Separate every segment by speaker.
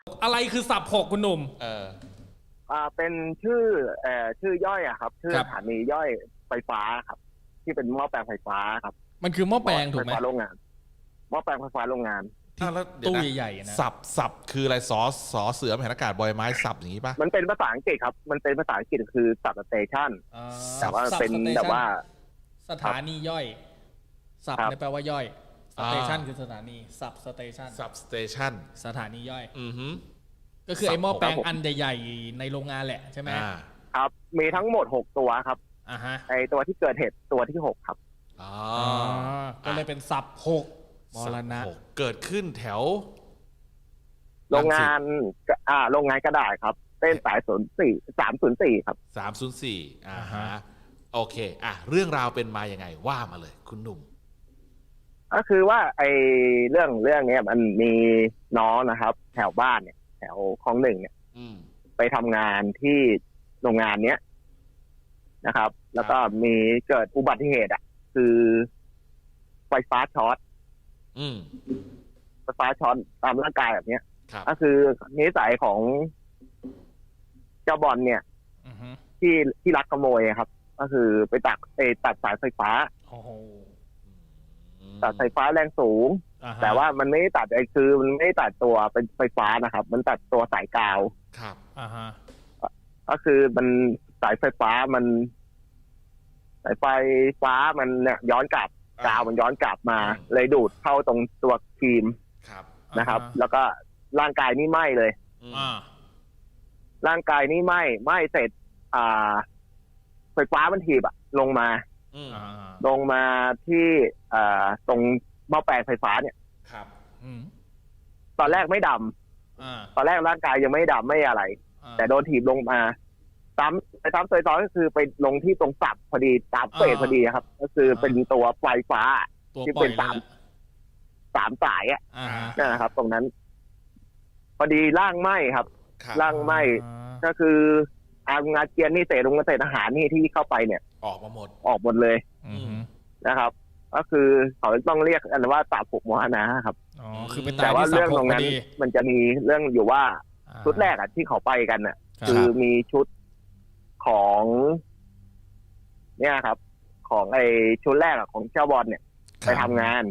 Speaker 1: อะไรคือสับหกคุณหนุ่ม
Speaker 2: เป็นชื่อย่อยอะครับชื่อสถานีย่อยไฟฟ้าครับที่เป็นหม้อแปลงไฟฟ้าครับ
Speaker 1: มันคือหม้อแปลงถูกไหม
Speaker 2: ไฟฟ้าโรงงานหม้อแปลงไฟฟ้าโรงงาน
Speaker 3: แล้ว
Speaker 1: ตู้ใหญ่ๆนะ
Speaker 3: สับคืออะไรสอเสือแผ่นอากาศบอยไม้สับอย่างนี้ป่ะ
Speaker 2: มันเป็นภาษาอังกฤษครับมันเป็นภาษาอังกฤษคือสับสเตชันแต่ว่าเป็นแบบว่า
Speaker 1: สถานีย่อยสับเนี่ยแปลว่าย่อยสเตชันคือสถานีสับสเตชันสถานีย่อยก็คือไอ้หม้อแปลงอันใหญ่ๆในโรงงานแหละใช่ไหม
Speaker 2: ครับมีทั้งหมด6ตัวครับไอตัวที่เกิดเหตุตัวที่6ครับ
Speaker 1: ก็เลยเป็นสับ6มรณะ
Speaker 3: เกิดขึ้นแถว
Speaker 2: โรงงานกระดาษครับเส้นสาย304ครับ
Speaker 3: โอเคเรื่องราวเป็นมาอย่างไงว่ามาเลยคุณหนุ่ม
Speaker 2: ก็คือว่าไอเรื่องนี้มันมีน้องนะครับแถวบ้านเนี่ยแถวคลอง1เนี่ยไปทำงานที่โรงงานเนี้ยนะครับแล้วก็มีเกิดอุบัติเหตุคือไฟฟ้าช็อตไฟฟ้าช็อตตามร่างกายแบบนี้ก็คือนิสัยของเจ้าบอลเนี่ยที่ลักขโมยครับก็คือไปตัดสายไฟฟ้าตัดไฟฟ้าแรงสูงแต่ว่ามันไม่ได้ตัดคือมันไม่ได้ตัดตัวเป็นไฟฟ้านะครับมันตัดตัวสายกาว
Speaker 3: ครับ
Speaker 2: ก็คือมันสายไฟฟ้ามันสายไฟฟ้ามันเนี่ยย้อนกลับกาวมันย้อนกลับมาเลยดูดเข้าตรงตัวครีมนะครับแล้วก็ร่างกายนี่ไหม้เลยร่างกายนี่ไหม้เสร็จไฟฟ้ามันถีบลงมาที่ตรงหม้อแปลงไฟฟ้าเนี่ยตอนแรกไม่ดำตอนแรกร่างกายยังไม่ดำไม่อะไรแต่โดนถีบลงมาซ้ำซอยก็คือไปลงที่ตรงสับพอดีตามเฟสพอดีครับก็คือเป็นตัวไฟฟ้าที่เป็นสามสายนั่นนะครับตรงนั้นพอดีร่างไหม้ครับร่างไหม้ก็คืออางาเกียนนี่เศษลงมาเศษอาหารนี่ที่เข้าไปเนี่ย
Speaker 3: ออก
Speaker 2: หมดเลยนะครับก็คือเขาต้องเรียกกันว่าสับหกมรณะครับแต่ว่าเรื่องตรงนั้นมันจะมีเรื่องอยู่ว่าชุดแรกที่เขาไปกันน่ะคือมีชุดของเนี่ยครับของไอชุดแรกของเจ้าบอลเนี่ยไปทำงาน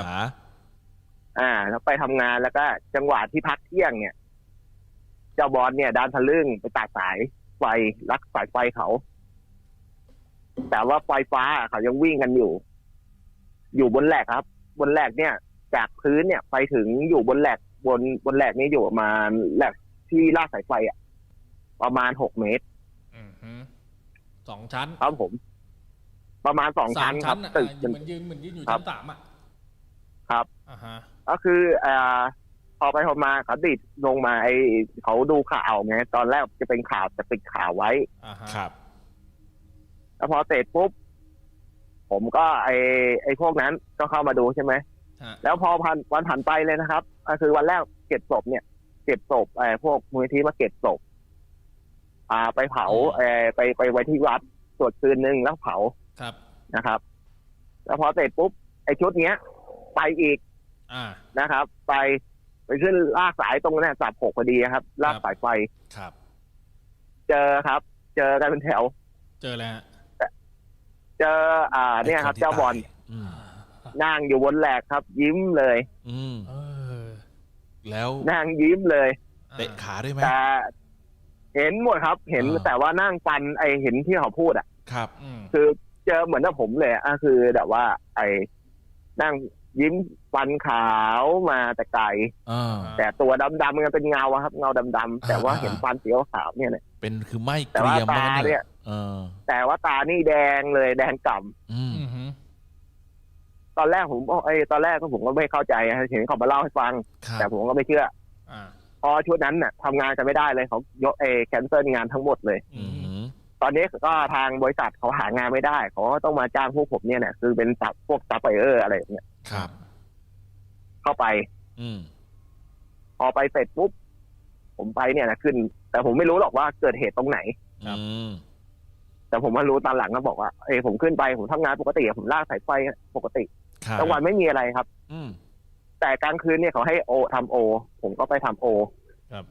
Speaker 2: แล้วไปทำงานแล้วก็จังหวะที่พักเที่ยงเนี่ยเจ้าบอลเนี่ยดันทะลึ่งไปตัดสายไฟลักสายไฟเขาแต่ว่าไฟฟ้าเขายังวิ่งกันอยู่บนแหลกครับบนแหลกเนี่ยจากพื้นเนี่ยไปถึงอยู่บนแหลกบนแหลกนี้อยู่ประมาณแหลกที่ลากสายไฟประมาณ6 เมตร
Speaker 1: 2 ชั้น
Speaker 2: ครับผมประมาณ2 ชั้นครับ
Speaker 1: ตึกเหมือนยืนอยู่ชั้น3
Speaker 2: ครับก็คือพอไปพอมาเขาดิดลงมาเขาดูข่าวไงตอนแรกจะเป็นข่าวจะปิดข่าวไว้
Speaker 3: ครับ
Speaker 2: แล้วพอเสร็จปุ๊บผมก็ไอ้พวกนั้นก็เข้ามาดูใช่ไหมแล้วพอวันผ่านไปเลยนะครับก็คือวันแรกเก็บศพพวกมูลนิธิมาเก็บศพไปเผาไปไว้ที่วัดสวดคืนนึงแล้วเผานะครับแล้วพอเสร็จปุ๊บไอ้ชุดเนี้ยไปอีกนะครับไปขึ้นลากสายตรงนั้นสับ6พอดีครับลากสายไฟ
Speaker 3: ครับ
Speaker 2: เจอกันเป็นแถว
Speaker 1: เจอแล้ว
Speaker 2: เจอเนี่ยครับเจ้าบอลนั่งอยู่บนแหลกครับยิ้มเลย
Speaker 3: แล้ว
Speaker 2: นั่งยิ้มเลย
Speaker 3: เตะขาด้วยไหม
Speaker 2: แต่เห็นหมดครับเห็นแต่ว่านั่งฟันเห็นที่เขาพูด
Speaker 3: ครับ
Speaker 2: คือเจอเหมือนกับผมเลยคือแบบว่านั่งยิ้มฟันขาวมาแต่ไกลแต่ตัวดำๆมันเป็นเงาครับเงาดำๆแต่ว่าเห็นฟันสีขาวเนี่ย
Speaker 3: เป็นคือไม่
Speaker 2: แต่ว่าตาเนี่ยแต่ว่าตานี่แดงเลยแดงก่ำตอนแรกผมตอนแรกผมก็ไม่เข้าใจเห็นเขามาเล่าให้ฟังแต่ผมก็ไม่เชื่อพอชุดนั้นทำงานกันไม่ได้เลยเขายกแคนเซิลงานทั้งหมดเลยตอนนี้ก็ทางบริษัทเขาหางานไม่ได้เขาก็ต้องมาจ้างพวกผมเนี่ยคือเป็นพวกซัพพลายเออร์อะไรอย่างเงี้ย
Speaker 3: ครับ
Speaker 2: เข้าไปพอไปเสร็จปุ๊บผมไปเนี่ยนะขึ้นแต่ผมไม่รู้หรอกว่าเกิดเหตุตรงไหนแต่ผมมารู้ตอนหลังก็บอกว่าผมขึ้นไปผมทำงานปกติผมลากสายไฟปกติกลางวันไม่มีอะไรครับแต่กลางคืนเนี่ยเขาให้ทำโอผมก็ไปทำโอ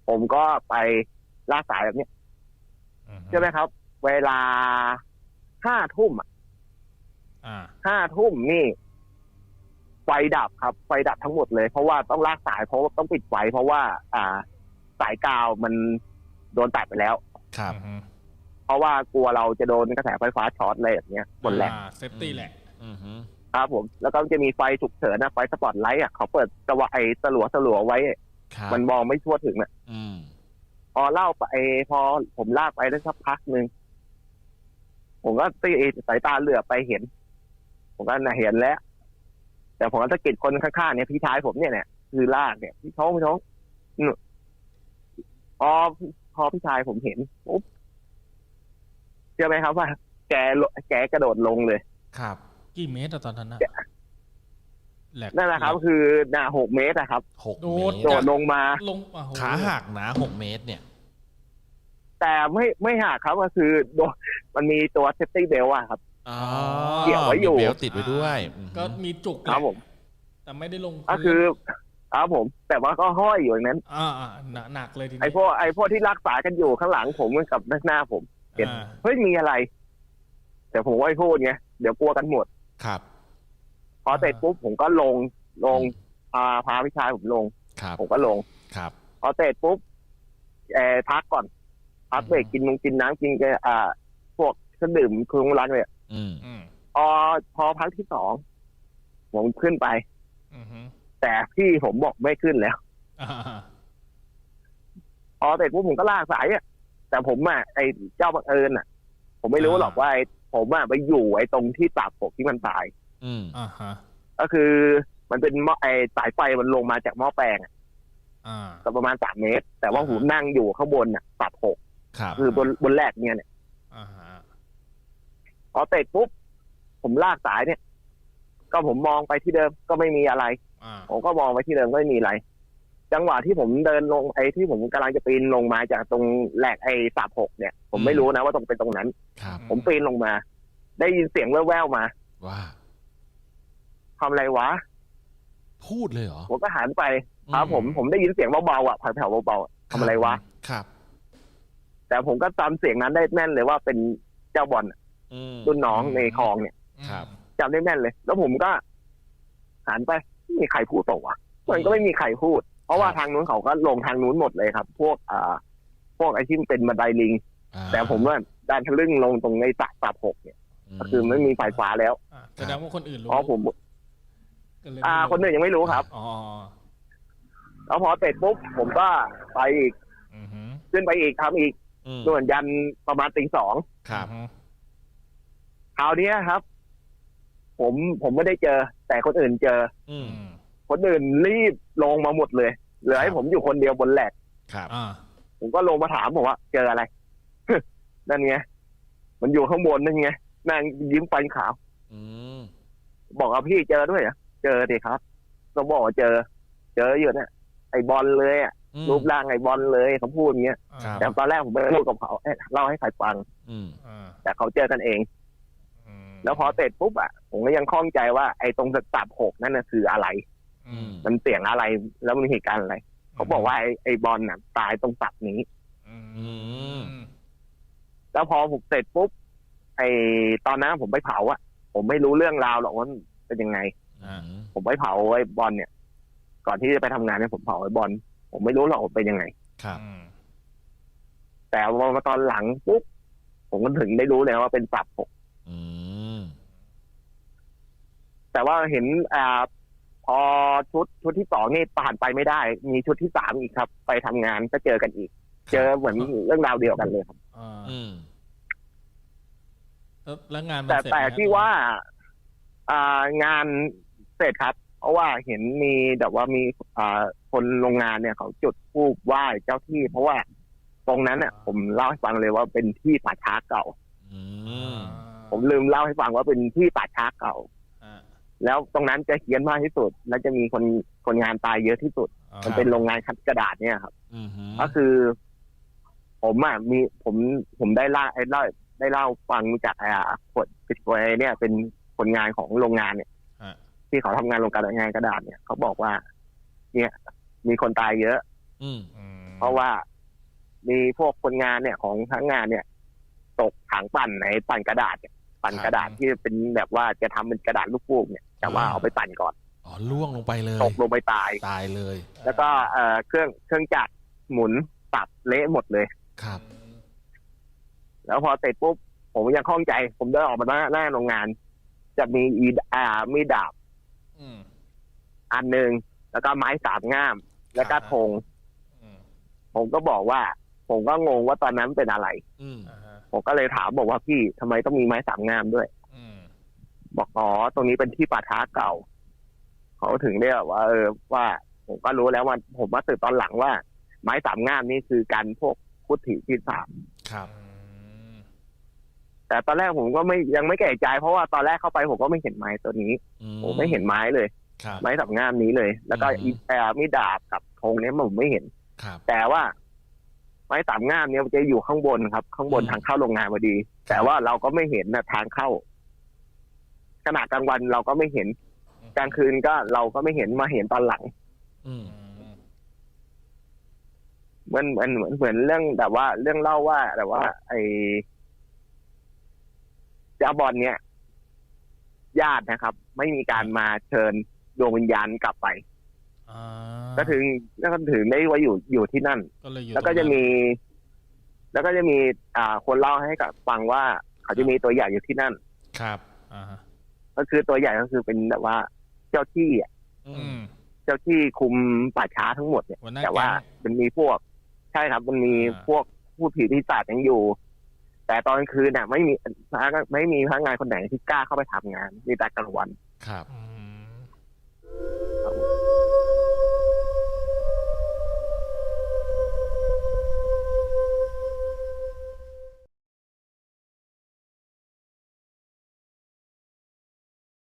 Speaker 2: ผมก็ไปลากสายแบบนี้ใช่ไหมครับ เวลา5 ทุ่ม5 ทุ่มนี่ไฟดับครับไฟดับทั้งหมดเลยเพราะว่าต้องลากสายเพราะว่าต้องปิดไฟเพราะว่าสายกาวมันโดนตัดไปแล้ว
Speaker 3: ครับ
Speaker 2: เพราะว่ากลัวเราจะโดนกระแสไฟฟ้าช็อตอะไรแบบนี้หมดแหละ
Speaker 1: เซฟตี้แหละ
Speaker 2: ครับผมแล้วก็จะมีไฟฉุกเฉินนะไฟสปอตไลท์เขาเปิดสลัวไว้มันมองไม่ทั่วถึงอ่ะพอเล่าไปพอผมลากไปได้สักพักนึงผมก็ตีสายตาเหลือบไปเห็นผมก็เห็นแล้วแต่ผมก็สะกิดคนข้างๆเนี่ยพี่ชายผมเนี่ยคือลากเนี่ยพี่ท้องพอพี่ชายผมเห็นปุ๊บเชื่อไหมครับว่าแกกระโดดลงเลย
Speaker 3: ครับ
Speaker 1: กี่เมตรตอนนั้นนะ
Speaker 2: นั่นแหละครับคือ6 เมตรครับ
Speaker 3: 6 เมตร
Speaker 2: โดดลงมา
Speaker 3: ขาหักนะ6 เมตรเนี่ย
Speaker 2: แต่ไม่หักครับก็คือมันมีตัวเซฟตี้เบลต์ครับ
Speaker 3: เกี่ยวไว้อยู่เบลต์ติดไว้ด้วย
Speaker 1: ก็มีจุก
Speaker 2: ครับผม
Speaker 1: แต่ไม่ได้ลง
Speaker 2: ก็คือครับผมแต่ว่าก็ห้อยอยู่อย่างนั้น
Speaker 1: หนักเลยทีนี้
Speaker 2: ไอ้พวกที่รักษากันอยู่ข้างหลังผมกับหน้าผมเห็นเฮ้ยมีอะไรแต่ผมไม่พูดไงเดี๋ยวกลัวกันหมด
Speaker 3: ครับ
Speaker 2: พอเสร็จปุ๊บผมก็ลงพาพี่ชายผมลงผมก็ลง
Speaker 3: ครับ
Speaker 2: พอเสร็จปุ๊บพักก่อนพักเบรกกินน้ำกินพวกเครื่องดื่มเครื่องร้านเลยพอพักที่2ผมขึ้นไปแต่พี่ผมบอกไม่ขึ้นแล้วพอเสร็จปุ๊บผมก็ลากสายแต่ผมไอ้เจ้าบังเอิญผมไม่รู้หรอกว่าผมไปอยู่ไอ้ตรงที่ตับผมที่มันตายก็คือมันเป็นไอ้สายไฟมันลงมาจากหม้อแปลงก็ประมาณ3 เมตรแต่ว่าผมนั่งอยู่ข้างบนตับ6คือบนแรกเนี่ยพอเสร็จปุ๊บผมลากสายเนี่ยก็ผมมองไปที่เดิมก็ไม่มีอะไรผมก็มองไปที่เดิมก็ไม่มีอะไรจังหวะที่ผมเดินลงไอ้ที่ผมกำลังจะปีนลงมาจากตรงแหลกไอ้36เนี่ยผมไม่รู้นะว่าตรงเป็นตรงนั้นผมปีนลงมาได้ยินเสียงแว่วๆมา
Speaker 3: ว่า
Speaker 2: ทำอะไรวะ
Speaker 3: พูดเลยเหรอ
Speaker 2: ผมก็หันไปครับผมได้ยินเสียงเบาๆแผ่วๆเบาๆทำอะไรวะ
Speaker 3: ครับ
Speaker 2: แต่ผมก็จำเสียงนั้นได้แม่นเลยว่าเป็นเจ้าบอลรุ่นน้องในคลองเนี่ยจำได้แม่นเลยแล้วผมก็หันไปไม่มีใครพูดต่อวะมันก็ไม่มีใครพูดเพราะว่าทางนู้นเขาก็ลงทางนู้นหมดเลยครับพวกไอ้ที่เป็นบันไดลิงแต่ผมว่าดันทะลึ่งลงตรงในตับ6เนี่ยก็คือไม่มีไฟฟ้าแล้ว
Speaker 1: แสดงว่าคนอื่นรู้
Speaker 2: เพราะผมคนอื่นยังไม่รู้ครับแล้วพอเสร็จปุ๊บผมก็ไปอีกขึ้นไปอีกทำอีกส่วนยันประมาณตี 2
Speaker 3: ครับ
Speaker 2: คราวนี้ครับผมไม่ได้เจอแต่คนอื่นเจอคนอื่นรีบลงมาหมดเลยเหลือให้ผมอยู่คนเดียวบนแหลก
Speaker 3: ครับ
Speaker 2: ผมก็ลงมาถามผมว่าเจออะไร นั่นไงมันอยู่ข้างบนนั่นไงนั่งยิ้มฟันขาวบอกว่าพี่เจอด้วยเหรอเจอดิครับก็บอกว่าเจออยู่เนี่ยไอ้บอลเลยรูปร่างไอ้บอลเลยเขาพูดอย่างเงี้ยแต่ตอนแรกผมไม่ได้พูดกับเขาเล่าให้ใครฟังแต่เขาเจอกันเองแล้วพอเสร็จปุ๊บผมก็ยังคล่องใจว่าไอ้ตรงตับ6นั่นคืออะไรมันเสียงอะไรแล้วมันมีเหตุการณ์อะไรเขาบอกว่าไอ้บอลตายตรงตับนี้แล้วพอผมเสร็จปุ๊บไอ้ตอนนั้นผมไปเผาผมไม่รู้เรื่องราวหรอกว่าเป็นยังไงผมไปเผาไอ้บอลเนี่ยก่อนที่จะไปทำงานเนี่ยผมเผาไอ้บอลผมไม่รู้หรอกว่าเป็นยังไง
Speaker 3: ครับ
Speaker 2: แต่พอมาตอนหลังปุ๊บผมก็ถึงได้รู้เลยว่าเป็นตับ6แต่ว่าเห็นพอชุดที่2นี่ผ่านไปไม่ได้มีชุดที่3อีกครับไปทำงานก็เจอกันอีกเจอเหมือนเรื่องราวเดียวกันเลยครับ
Speaker 1: แล้วงาน
Speaker 2: แต่ที่ว่างานเสร็จครับเพราะว่าเห็นมีแบบว่ามีคนโรงงานเนี่ยเขาจุดธูปไหว้เจ้าที่เพราะว่าตรงนั้นผมเล่าให้ฟังเลยว่าเป็นที่ป่าช้าเก่าผมลืมเล่าให้ฟังว่าเป็นที่ป่าช้าเก่าแล้วตรงนั้นจะเฮี้ยนมากที่สุดและจะมีคนงานตายเยอะที่สุดมันเป็นโรงงานคัดกระดาษเนี่ยครับก็คือผมได้เล่าฟังจากคนเนี่ยเป็นคนงานของโรงงานเนี่ยที่เขาทำงานโรงงานกระดาษเนี่ยเขาบอกว่าเนี่ยมีคนตายเยอะเพราะว่ามีพวกคนงานเนี่ยของทั้งงานเนี่ย ตกถังปั่นในปั่นกระดาษเนี่ยปั่นกระดาษที่เป็นแบบว่าจะทำเป็นกระดาษลูกฟูกเนี่ยแต่ว่าเอาไปปั่นก่อน
Speaker 3: ล่วงลงไปเลย
Speaker 2: ตกลงไปตาย
Speaker 3: เลย
Speaker 2: แล้วก็เครื่องจักรหมุนตับเละหมดเลย
Speaker 3: ครับ
Speaker 2: แล้วพอเสร็จปุ๊บผมยังคล่องใจผมเดินออกมาหน้าโรงงาน จะมีมีดาบอันหนึ่งแล้วก็ไม้สามง่ามแล้วก็ธงผมก็บอกว่าผมก็งงว่าตอนนั้นเป็นอะไรผมก็เลยถามบอกว่าพี่ทำไมต้องมีไม้สามง่ามด้วยบอกอ๋อตรงนี้เป็นที่ป่าช้าเก่าเขาถึงเรียกว่าว่าผมก็รู้แล้วว่าผมมาสืบตอนหลังว่าไม้สามง่ามนี่คือการพวกพุทธิที่สาม
Speaker 3: ครับ
Speaker 2: แต่ตอนแรกผมก็ยังไม่แก่ใจเพราะว่าตอนแรกเข้าไปผมก็ไม่เห็นไม้ตัวนี้ผมไม่เห็นไม้เลยไม้สามง่ามนี้เลยแล้วก็มีดาบกับธงนี้ผมไม่เห็นแต่ว่าไม้สามง่ามเนี่ยมันจะอยู่ข้างบนครับข้างบนทางเข้าโรงงานพอดีแต่ว่าเราก็ไม่เห็นนะทางเข้าขณะกลางวันเราก็ไม่เห็นกลางคืนก็เราก็ไม่เห็นมาเห็นตอนหลังเหมือนเรื่องแบบว่าเรื่องเล่าว่าแต่ว่าไอ้เจ้าบอลเนี่ยญาตินะครับไม่มีการมาเชิญดวงวิญญาณกลับไปก็ถึงได้ว่าอยู่ที่นั่นแล้วก็จะมีคนเล่าให้กับฟังว่าเขาจะมีตัวใหญ่อยู่ที่นั่น
Speaker 3: ครับ
Speaker 2: ก็คือตัวใหญ่ก็คือเป็นแบบว่าเจ้าที่เจ้าที่คุมป่าช้าทั้งหมดเนี่ยแต่ว่ามันมีพวกใช่ครับมันมีพวกผู้ผีปีศาจยังอยู่แต่ตอนคืนเนี่ยไม่มีพนักงานคนไหนที่กล้าเข้าไปทำงานมีแต่กลางวัน
Speaker 3: ครับ